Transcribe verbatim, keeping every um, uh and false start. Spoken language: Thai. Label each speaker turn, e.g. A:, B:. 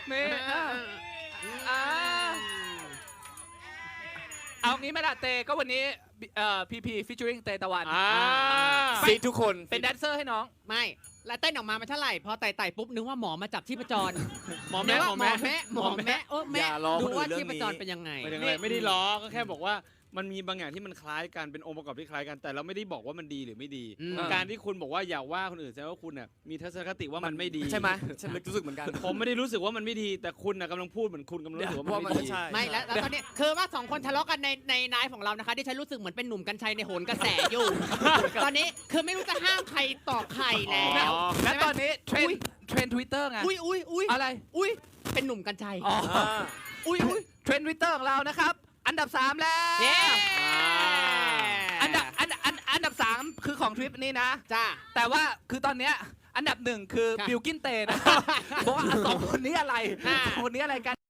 A: นี่อ่าเอางี้ไหมล่ะเตก็วันนี้เอ่อพีพีฟิชเชอริงเตตะวัน
B: ซีทุกคน
A: เป็นแดนเซอร์ให้น้อง
C: ไม่แล้วเต้นออกมามันเท่าไหร่พอไต่ไต่ปุ๊บนึกว่าหมอมาจับชีพจร
D: หมอแม่หมอแม่
C: หมอแม่โอ้แม่ดูว่าชีพจรเป็นยังไง
D: ไม่ได้ล้อก็แค่บอกว่ามันมีบางอย่างที่มันคล้ายกันเป็นองค์ประกอบที่คล้ายกันแต่เราไม่ได้บอกว่ามันดีหรือไม่ดีการที่คุณบอกว่าอย่าว่าคนอื่นแสดงว่าคุณน่ะมีทัศนคติว่ามันไม่ดี
B: ใช่ไหมฉันรู้สึกเหมือนกัน
D: ผมไม่ได้รู้สึกว่ามันไม่ดีแต่คุณน่ะกำลังพูดเหมือนคุณกำลังรู้สึกว่ามันไม่ดี
C: ไม่แล้วตอนนี้คือว่าสองคนทะเลาะกันในในไลฟ์ของเรานะคะที่ฉันรู้สึกเหมือนเป็นหนุ่มกัญชัยในโหนกระแสอยู่ตอนนี้คือไม่รู้จะห้ามใครต่อใครแล้ว
A: และตอนนี้เทรนเทรนทวิตเตอร์ไง
C: อุ้ยอุ้ยอุ้ย
A: อะไร
C: อุ้ยเป็นหนุ่มกัญชัย
A: อุ้ยอุ้ยเทรนทวิตเตอร์ของเรานะครับอันดับสามแล้วอันดับอันอันอันดับสามคือของทริปนี้นะ
C: จ้า
A: แต่ว่าคือตอนเนี้ยอันดับหนึ่งคือบิลกินเตนะบอกว่าสองคนนี้อะไรสองคนนี้อะไรกัน